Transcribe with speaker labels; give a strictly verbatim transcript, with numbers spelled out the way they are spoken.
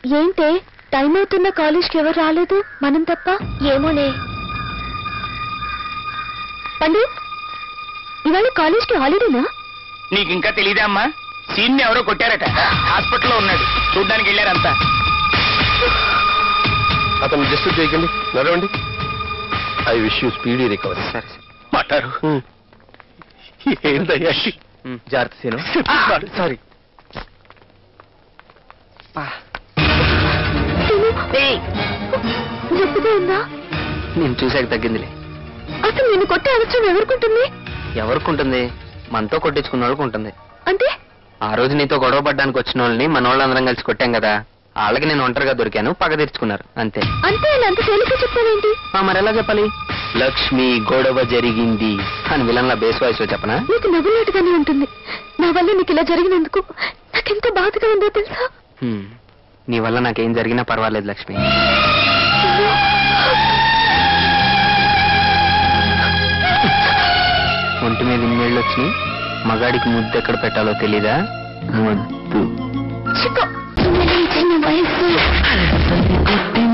Speaker 1: ఏంటే టైం అవుతున్న కాలేజ్కి ఎవరు రాలేదు మనం తప్ప? ఏమోనే. పండు, ఇవాళ కాలేజ్కి హాలిడేనా?
Speaker 2: నీకు ఇంకా తెలీదా అమ్మా? సీన్ ఎవరో కొట్టారట, హాస్పిటల్లో ఉన్నాడు, చూడ్డానికి వెళ్ళారంతా.
Speaker 3: అతను డిస్టర్బ్ చేయకండి, నడవండి. I wish you speedy recovery.
Speaker 2: సరే మాట్లాడు.
Speaker 3: ఏంటయ్యా?
Speaker 2: జాగ్రత్త సీను. సారీ.
Speaker 1: నొప్పిగా ఉందా?
Speaker 2: నేను చూసాక తగ్గిందిలే.
Speaker 1: అసలు నేను కొట్టే అవసరం ఎవరుకుంటుంది?
Speaker 2: ఎవరికుంటుంది? మనతో కొట్టించుకున్న వాళ్ళకి ఉంటుంది.
Speaker 1: అంటే
Speaker 2: ఆ రోజు నీతో గొడవ పడ్డానికి వచ్చిన వాళ్ళని మన వాళ్ళందరం కలిసి కొట్టాం కదా, వాళ్ళకి నేను ఒంటరిగా దొరికాను, పగ తీర్చుకున్నారు అంతే.
Speaker 1: అంతే అలా అంత తేలిక చెప్తావేంటి?
Speaker 2: మరి ఎలా చెప్పాలి? లక్ష్మి గొడవ జరిగింది అని విలన్లా బేస్ వాయిస్ లో చెప్పనా?
Speaker 1: నీకు నవ్వులాటుగానే ఉంటుంది. నా వల్ల నీకు ఇలా జరిగినందుకు నాకెంత బాధగా ఉందో తెలుసా?
Speaker 2: నీ వల్ల నాకేం జరిగినా పర్వాలేదు లక్ష్మి. ఒంటి మీద ఇన్నేళ్ళు వచ్చి మగాడికి ముద్దు ఎక్కడ పెట్టాలో తెలీదా? ముద్దు
Speaker 1: చిన్న వయసు